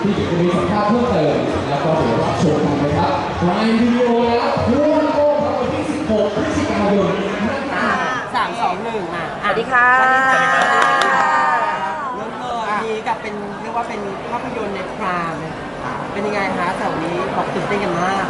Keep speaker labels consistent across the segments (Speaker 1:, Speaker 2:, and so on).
Speaker 1: ที่จะมีสัมภาษณ์เพิ่มเติมแล้วก็เดี๋ยวรับชมกันนะครับในวิดีโอแล้วทุกวันโก้ครับวันที่16 พฤศจิกายน
Speaker 2: 3 2 1มา
Speaker 3: สวัสดีค่ะ
Speaker 2: เริ่มเลยนี้กับเป็นเรียกว่าเป็นภาพยนตร์ในพรามเป็นยังไงคะแถวนี้บอกตื่นเต้นกันมาก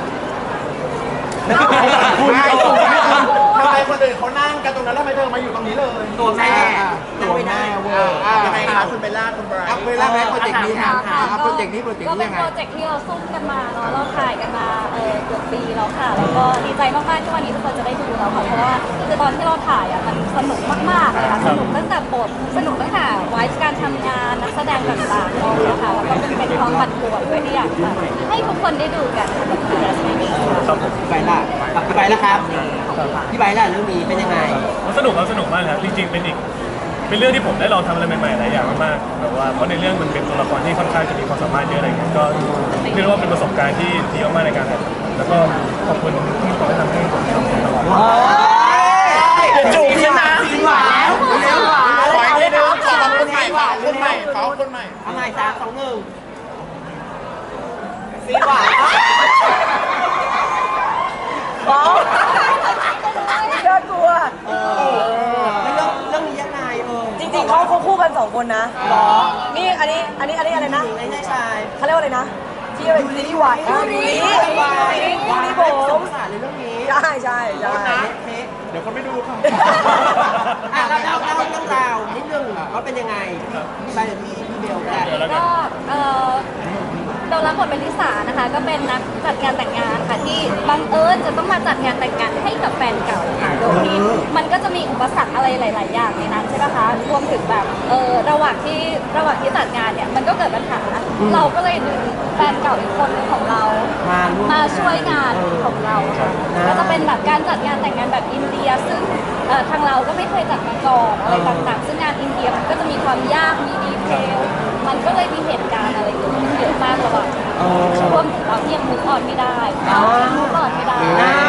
Speaker 4: ทำไมคนอื่นเขานั่งกันตรงนั้นแล้วทำไมเธอมาอยู่ตรงนี้เลย
Speaker 2: ตัวแม่
Speaker 4: ตัวแม่เวอร์ยังไงคะคุณเบลล่าคุณไบรท์เบลล่าแม่โปรเจกต์นี้ค่ะโปรเจกต์นี้
Speaker 3: ก็เป็นโปรเจกต์ที่เราซุ่มกันมาเนาะเราถ่ายกันมาเกือบปีแล้วค่ะแล้วก็ดีใจมากๆที่วันนี้ทุกคนจะได้ดูแล้วค่ะเพราะว่าคือตอนที่เราถ่ายมันสนุกมากๆเลยค่ะสนุกตั้งแต่บทสนุกตั้งแต่ไวส์การทำงานนักแสดงต่างๆเลยค่ะแล้วก็เป็นความปั่นป่วนด้วยที่อยากให้ทุกคนได้ดูกันกับคุณแม่
Speaker 2: ครับผมพี่ไบร์ทล่ะพี่ไบร์ทล่ะครับพี่ไบร์ทล่ะเรื่องนี้เป็นยังไง
Speaker 5: สนุกมากครับจริงๆเป็นเรื่องที่ผมได้ลองทำอะไรใหม่ๆหลายอย่างมากๆแบบว่าเพราะในเรื่องมันเป็นตัวละครที่ค่อนข้างจะมีความสามารถเยอะอะไรเงี้ยก็เรียกว่าเป็นประสบการณ์ที่ดีมากๆในการถ่ายแล้วก็ขอบคุณที่คอยทำให้ผมทำตลอด
Speaker 4: จูบกันนะสีหวานแล้วขอให้ดูขอคนใหม่คนใหม่
Speaker 2: เอาใหม่3 2 1สีหวาน
Speaker 3: น่ากลัว
Speaker 2: เรื่องนี้ยังไง
Speaker 3: จริงๆเขาคู่กัน2 คนนะหรอนี่อันนี้อะไรนะ
Speaker 2: ไม่ใช่ชาย
Speaker 3: เขาเรียกว่าอะไรนะที่เป็นซีรีส์วายดูนี้ผม
Speaker 2: สงสารในเรื่องนี้
Speaker 3: ใช่
Speaker 4: เดี๋ยวเขาไม่ดูค่ะ
Speaker 2: เราเรื่องราวนิดนึงว่าเป็นยังไงไปเดี๋ยวพี่เบล
Speaker 3: ก็เรารับบทเป็นลิสานะคะก็เป็นนักจัดงานแต่งงานค่ะที่บังเอิญจะต้องมาจัดงานแต่งงานให้กับแฟนเก่าค่ะโดยที่มันก็จะมีอุปสรรคอะไรหลายๆอย่างในนั้นใช่ไหมคะรวมถึงแบบระหว่างที่จัดงานเนี่ยมันก็เกิดปัญหาเราก็เลยดึงแฟนเก่าอีกคนนึงของเรามาช่วยงานของเราค่ะก็จะเป็นแบบการจัดงานแต่งงานแบบอินเดียซึ่งทางเราก็ไม่เคยจัดมาก่อนอะไรต่างๆซึ่งงานอินเดียมันก็จะมีความยากมีดีเทลมันก็เลยมีเหตุการณ์อะไรเกิดขึ้นเยอะมากระหว่างรวมถึงเราที่ยังมุกออนไม่ได้มุกออนไม่ได้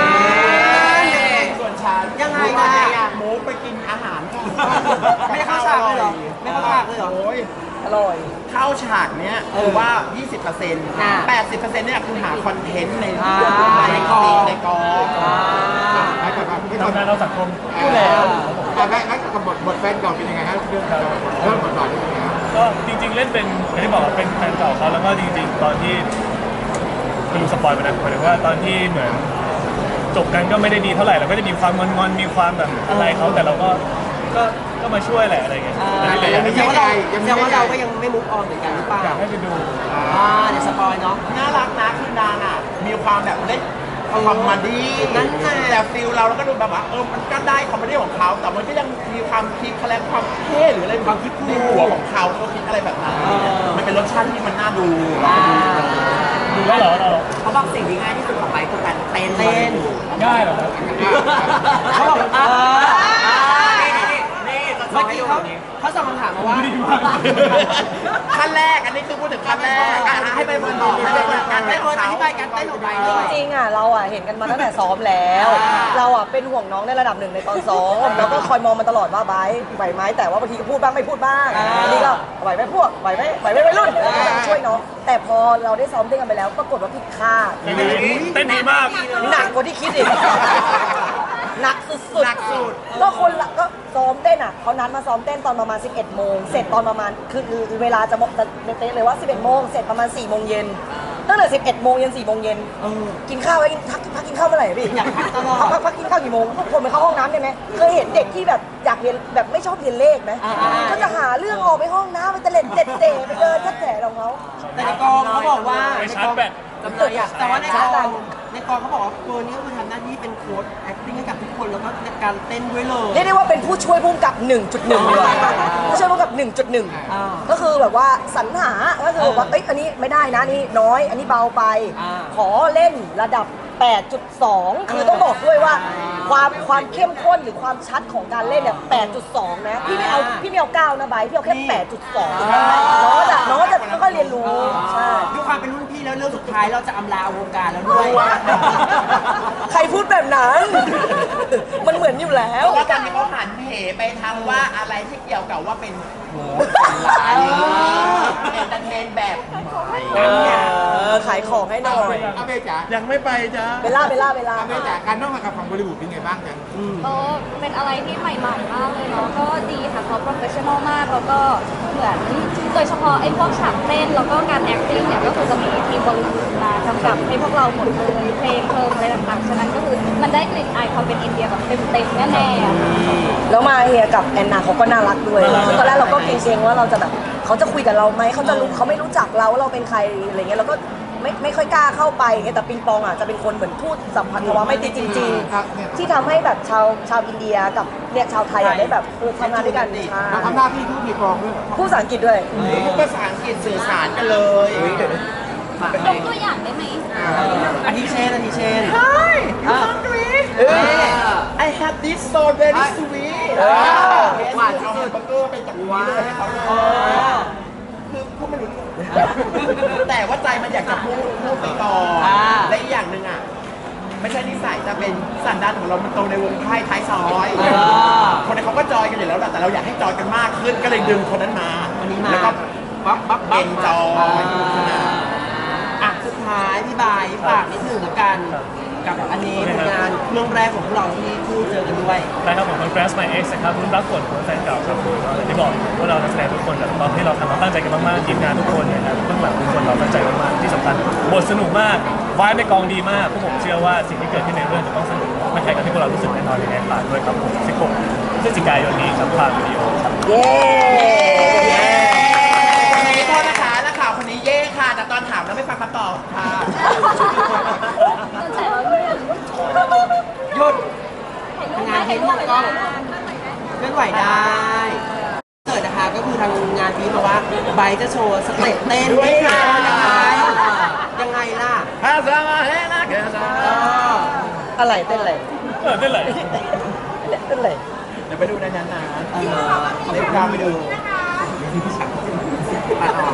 Speaker 4: ส่วนฉัน
Speaker 2: ยังไง
Speaker 4: มูไปกินอาหาร
Speaker 2: ไม่เข้าฉากเลยเหรอไม่เข้าฉากเลยเหรอ
Speaker 3: อร่อย
Speaker 4: เข้าฉากเนี้ยคือว่า 20% 80%เนี่ยคือหาคอนเทนต์ในกอง
Speaker 5: ทำงานเราสังคม
Speaker 4: อยู่แล้วแล้วกับบทแฟนเก่าเป็นยังไงครับเรื่องบทบาทเป็นยังไง
Speaker 5: ก็จริงๆเล่นเป็นอย่างที่บอกเป็นแฟนเก่าเขาแล้วก็จริงๆตอนที่ไม่รู้สปอยล์ไปนะหมายถึงว่าตอนที่เหมือนจบกันก็ไม่ได้ดีเท่าไหร่เราก็จะมีความงอนมีความแบบอะไรเขาแต่เราก็มาช่วยแหละอะไรเงี้ย
Speaker 2: ยังว่าเราก็ยังไม่มุกออนเหมือนกันหรือเปล่า
Speaker 5: อยากให้ไปดู
Speaker 2: เดี๋ยวสปอยเนาะ
Speaker 4: น่ารักนะคือนางมีความแบบเล็กคอมเมดี้
Speaker 2: นั่น
Speaker 4: แต่ฟิลเราก็ดูแบบว่ามันก็ได้คอมเมดี้ของเขาแต่มันก็ยังมีความคิดแคลงความเท่หรืออะไรความคิดในหัวของเขาคิดอะไรแบบนั้นมันเป็นรสชาติที่มันน่าดู
Speaker 5: แล้วเหรอ
Speaker 2: เขาบอกสิ่งที่ง่ายที่สุดของไปคือการเต้น
Speaker 5: ง่ายเหรอ
Speaker 2: เขาบอกเมื่อกี้เขาส่งคำถามมาว่า
Speaker 4: ขั้นแรกอันนี้คือพูดถึงขั้นแรกให้ไปบนต่อให้ไปบนการเต้นของเขา
Speaker 2: อธิบายการเต้นของไป
Speaker 3: จริงๆเราเห็นกันมาตั้งแต่ซ้อมแล้วเราเป็นห่วงน้องในระดับหนึ่งในตอนซ้อมแล้วก็คอยมองมันตลอดว่าไหวไหมแต่ว่าบางทีก็พูดบ้างไม่พูดบ้างอันนี้ก็ไหวไหมพวกไหวไหมวัยรุ่นช่วยน้องแต่พอเราได้ซ้อมเต้นกันไปแล้วปรากฏว่าผิดคาด
Speaker 5: เต้นดีมาก
Speaker 3: หนักกว่าที่คิดอีกหนักสุดก็คนละก็ซ้อมเต้นเขานัดมาซ้อมเต้นตอนประมาณ 11 โมงเสร็จตอนประมาณคือเวลาจะเต้นเลยว่า 11 โมงเสร็จประมาณ 4 โมงเย็นตั้งแต่ 11 โมงยัน 4 โมงเย็นกินข้าวไว้พักกินข้าวเมื่อไหร่พี่อยากพักตลอดพักกินข้าวกี่โมงทุกคนไปเข้าห้องน้ำได้ไหมเคยเห็นเด็กที่แบบอยากเรียนแบบไม่ชอบเรียนเลขไหมก็จะหาเรื่องออกไปห้องน้ำไปเตะเล่นเตะไปเดินทัดแถของเขา
Speaker 2: แต่ในกองเขาบอกว่า
Speaker 5: ไปชาร์จแบต
Speaker 2: แต่ว่าในกองเขาบอกว่าตัวนี้ก็คือทำหน้าที่เป็นโค้ช acting ให้กับทุกคนแล้วก็การเต้นด้วยเลย
Speaker 3: เรียกได้ว่าเป็นผู้ช่วยผู้กำกับ 1.1 เลยผู้ช่วยผู้กำกับ 1.1 ก็คือแบบว่าสรรหาก็คือว่าอันนี้ไม่ได้นะนี่น้อยอันนี้เบาไปขอเล่นระดับ 8.2 คือต้องบอกด้วยว่าความเข้มข้นหรือความชัดของการเล่นเนี่ย 8.2 นะพี่ไม่เอา9นะไบพี่เอาแค่ 8.2 น้องจะค่อยเรียนรู้ใช่
Speaker 2: ด้วยความเป็นรุ่นพี่แล้วเรื่องสุดท้ายเราจะอำลาวงการแล้วด้วย
Speaker 3: ใครพูดแบบนั้นมันเหมือนอยู่แล้ว
Speaker 4: ว่าตอนนี้เขาหันเหไปทางว่าอะไรที่เกี่ยวกับว่าเป็นโหเอนเตอร์เทนแบบใหม่
Speaker 6: ขายของให้หน่อย
Speaker 7: อาเบจ๋า
Speaker 5: ยังไม่ไปจ้า
Speaker 6: เบลล่า
Speaker 7: อาเบจ๋าการร่วมงานกับฝั่งบริบูรณ์เป็นไงบ้างจ๊ะ
Speaker 3: ก็เป็นอะไรที่ใหม่ๆมากเลยเนาะก็ดีค่ะเขาโปรเฟชชั่นอลมากแล้วก็เหมือนโดยเฉพาะไอ้พวกฉากเต้นแล้วก็การ acting เนี่ยก็คือจะมีทีมบริบูรณ์มากำกับให้พวกเราหมดเลยเพลงอะไรต่างๆฉะนั้นก็คือมันได้กลิ่นอายความเป็นอินเดียแบบเต็มๆแน่ๆอะค่ะ
Speaker 6: แล้วมาเฮียกับแอนนาเขาก็น่ารักด้วยซึ่งตอนแรกเราก็เกรงๆว่าเราจะแบบเขาจะคุยกับเราไหมเขาจะรู้เขาไม่รู้จักเราว่าเราเป็นใครอะไรเงี้ยเราก็ไม่ค่อยกล้าเข้าไปเงี้ยแต่ปิงปองอ่ะจะเป็นคนเหมือนพูดสัมพันธวะไม่ติดจริงๆที่ทำให้แบบชาวอินเดียกับเนี่ยชาวไทยอ่ะได้แบบทำงานด้วยกันใช่
Speaker 7: เราทำหน้าที่ทูตในกองด้วย
Speaker 6: พูดภาษาอังกฤษด้วย
Speaker 4: พูดภาษาอังกฤษสื่อสารกันเลย
Speaker 3: ยกตัวอย่างได้ไหม
Speaker 2: อาทิเช่น
Speaker 4: Hi you hungry I have this so very sweet หวานที่สุดเบอร์เกอร์เป็นจากนี้เลยให้เขาเลยคือพูดไม่รู้เรื่องแต่ว่าใจมันอยากจะพูดไปต่อและอีกอย่างหนึ่งอ่ะไม่ใช่นิสัยแต่เป็นสันดานของเรามันโตในวงไพ่ท้ายซอยคนนั้นเขาก็จอยกันอยู่แล้วแหละแต่เราอยากให้จอยกันมากขึ้นก็เลยดึงคนนั้นมาแล้วก็ปั๊บเอนจอยสนาน
Speaker 2: อ่ะสุดท้ายพี่บายฝากนิดหนึ่งแล้วกันกับอันนี้ผลงานเรื่องแรกของพวกเราที่คู่เจอกันด้วย
Speaker 5: ได้ครับผมเป็น Crash My Ex นะครับรุ่นรักกดหัวแฟนเก่าครับผมอย่างที่บอกพวกเรานักแสดงทุกคนแบบตอนที่เราทำเราตั้งใจกันมากๆทีมงานทุกคนนะครับเบื้องหลังทุกคนเราตั้งใจมากๆที่สำคัญบทสนุกมากวายในกองดีมากพวกผมเชื่อว่าสิ่งที่เกิดขึ้นในเรื่องจะต้องสนุกไม่ใช่กับที่พวกเรารู้สึกแน่นอนยังไงฝากด้วยครับผม16พฤศจิกายนนี้ครับทางวิดีโอครับ
Speaker 6: เย้
Speaker 4: โทษนะคะนักข่าวคนนี้เย่ค่ะ แต่ตอนถามแล้วไม่ฟังคำตอบค่ะ
Speaker 3: แต่เราเนี่ย
Speaker 2: หยุด
Speaker 3: ถ่ายรูปไหมถ่ายรูปไหม
Speaker 2: เคลื่อนไหวได้เกิดนะคะก็คือทางงานพีมาว่าไบร์ทจะโชว์สเต็ปเต้นด้วยค่ะยังไงล่ะ
Speaker 4: ฮาซามาเฮนะเกซา
Speaker 6: อะไรเต้นอะไร
Speaker 5: เต้นไหล
Speaker 6: เต้นอะไร
Speaker 4: เดี๋ยวไปดูในนั้นนะเดี๋ยวตามไปดู